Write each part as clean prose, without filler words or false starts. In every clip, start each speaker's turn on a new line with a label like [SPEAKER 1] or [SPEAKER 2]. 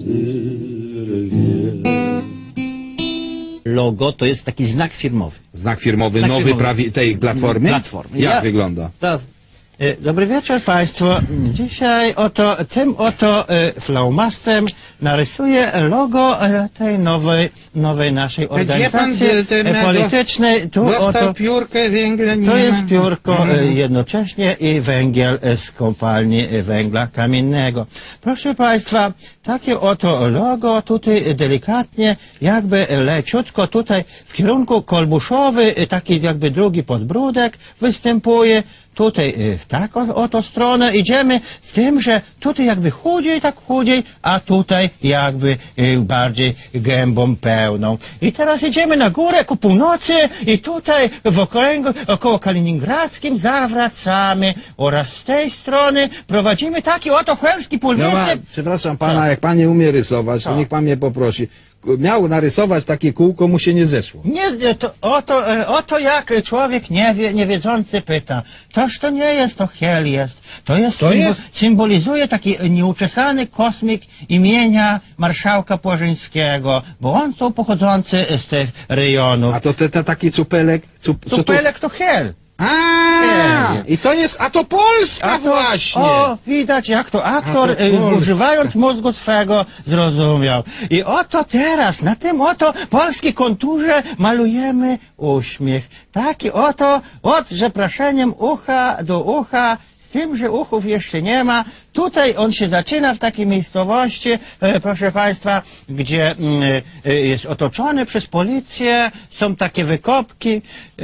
[SPEAKER 1] Logo to jest taki znak firmowy.
[SPEAKER 2] Znak firmowy
[SPEAKER 1] Znak
[SPEAKER 2] nowy
[SPEAKER 1] firmowy.
[SPEAKER 2] tej platformy?
[SPEAKER 1] Platformy.
[SPEAKER 2] Jak wygląda?
[SPEAKER 1] Dobry wieczór Państwu. Dzisiaj tym flaumastrem narysuję logo tej nowej naszej organizacji politycznej. Tu
[SPEAKER 3] dostał piórkę węgla, nie
[SPEAKER 1] to jest
[SPEAKER 3] ma.
[SPEAKER 1] piórko jednocześnie i węgiel z kopalni węgla kamiennego. Proszę Państwa, takie oto logo tutaj delikatnie, jakby leciutko tutaj w kierunku kolbuszowy, taki jakby drugi podbródek występuje. Tutaj w taką oto stronę idziemy z tym, że tutaj jakby chudziej, tak chudziej, a tutaj jakby bardziej gębą pełną. I teraz idziemy na górę ku północy i tutaj w okręgu około kaliningradzkim zawracamy oraz z tej strony prowadzimy taki oto chłelski półwysep.
[SPEAKER 2] Przepraszam pana, jak pan nie umie rysować, to niech pan mnie poprosi. Miał narysować takie kółko, mu się nie zeszło.
[SPEAKER 1] Nie, oto jak człowiek niewiedzący pyta. Toż to nie jest, to Hel jest. Symbolizuje taki nieuczesany kosmik imienia marszałka Płażyńskiego, bo on to pochodzący z tych rejonów.
[SPEAKER 2] A to taki cupelek?
[SPEAKER 1] Cupelek to Hel.
[SPEAKER 2] I to jest, a to Polska właśnie!
[SPEAKER 1] O, widać jak to aktor, używając mózgu swego, zrozumiał. I oto teraz, na tym oto polskiej konturze malujemy uśmiech. Taki oto, od przeproszeniem ucha do ucha, z tym, że uchów jeszcze nie ma. Tutaj on się zaczyna w takiej miejscowości, proszę Państwa, gdzie jest otoczony przez policję, są takie wykopki,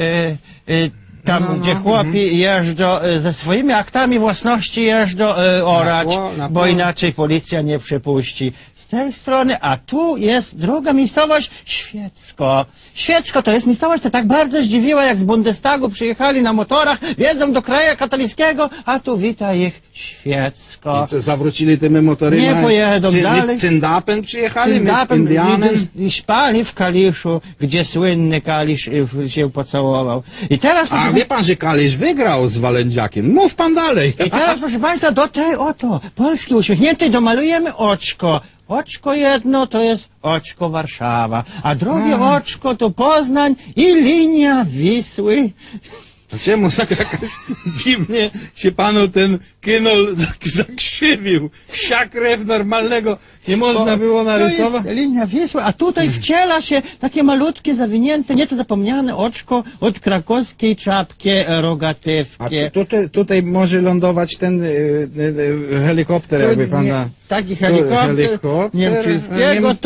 [SPEAKER 1] tam, gdzie chłopi jeżdżą ze swoimi aktami własności jeżdżą orać, bo inaczej policja nie przepuści. Z tej strony, a tu jest druga miejscowość, Świecko. Świecko to jest miejscowość, to tak bardzo zdziwiła, jak z Bundestagu przyjechali na motorach, wjeżdżą do kraju katolickiego, a tu wita ich Świecko.
[SPEAKER 2] I co, zawrócili tymi motorymi?
[SPEAKER 1] Nie pojedą dalej.
[SPEAKER 2] Cyndapem przyjechali?
[SPEAKER 1] Cyndapem i spali w Kaliszu, gdzie słynny Kalisz się pocałował. I teraz,
[SPEAKER 2] A wie pan, że Kalisz wygrał z Walędziakiem. Mów pan dalej.
[SPEAKER 1] I teraz, proszę Państwa, do tej oto Polski uśmiechniętej domalujemy oczko. Oczko jedno to jest oczko Warszawa, a drugie oczko to Poznań i linia Wisły.
[SPEAKER 2] A czemu tak jakoś dziwnie się panu ten kynol zakrzywił? Wsia krew normalnego nie można było narysować?
[SPEAKER 1] To jest linia Wisły, a tutaj wciela się takie malutkie, zawinięte, nieco zapomniane oczko od krakowskiej czapki rogatywki.
[SPEAKER 2] A tutaj może lądować ten helikopter, jakby pana...
[SPEAKER 1] Taki helikopter niemczyckiego,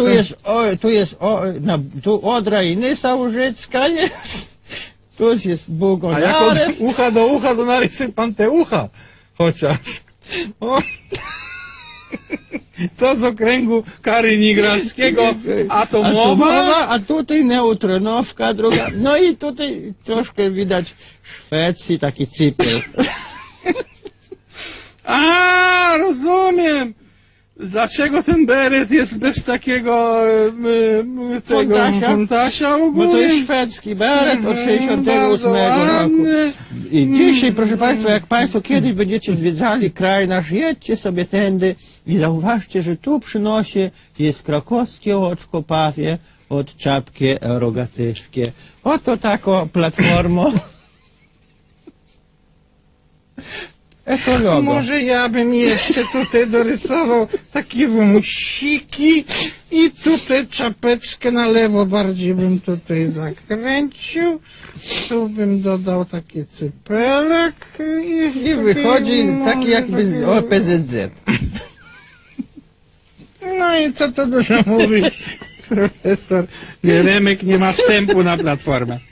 [SPEAKER 1] tu Odra i Nysa Łużycka jest. Tu jest Bugonarew.
[SPEAKER 2] A jak od ucha do ucha, to narysuj pan te ucha. Chociaż. O. To z okręgu kaliningradzkiego atomowa.
[SPEAKER 1] A tutaj neutronowka druga. No i tutaj troszkę widać Szwecji, taki cypel.
[SPEAKER 2] A, rozumiem. Dlaczego ten beret jest bez takiego fontasia ogólnie?
[SPEAKER 1] Bo to jest szwedzki beret od 68 roku. I dzisiaj, proszę Państwa, jak Państwo kiedyś będziecie zwiedzali kraj nasz, jedźcie sobie tędy i zauważcie, że tu przy nosie jest krakowskie oczko pawie od czapki rogatywki. Oto taką platformą. Ekologo.
[SPEAKER 3] Może ja bym jeszcze tutaj dorysował takie wąsiki i tutaj czapeczkę na lewo bardziej bym tutaj zakręcił. Tu bym dodał taki cypelek
[SPEAKER 1] I wychodzi taki jakby z OPZZ.
[SPEAKER 3] No i co to dużo mówić? Profesor
[SPEAKER 2] Jeremek nie ma wstępu na platformę.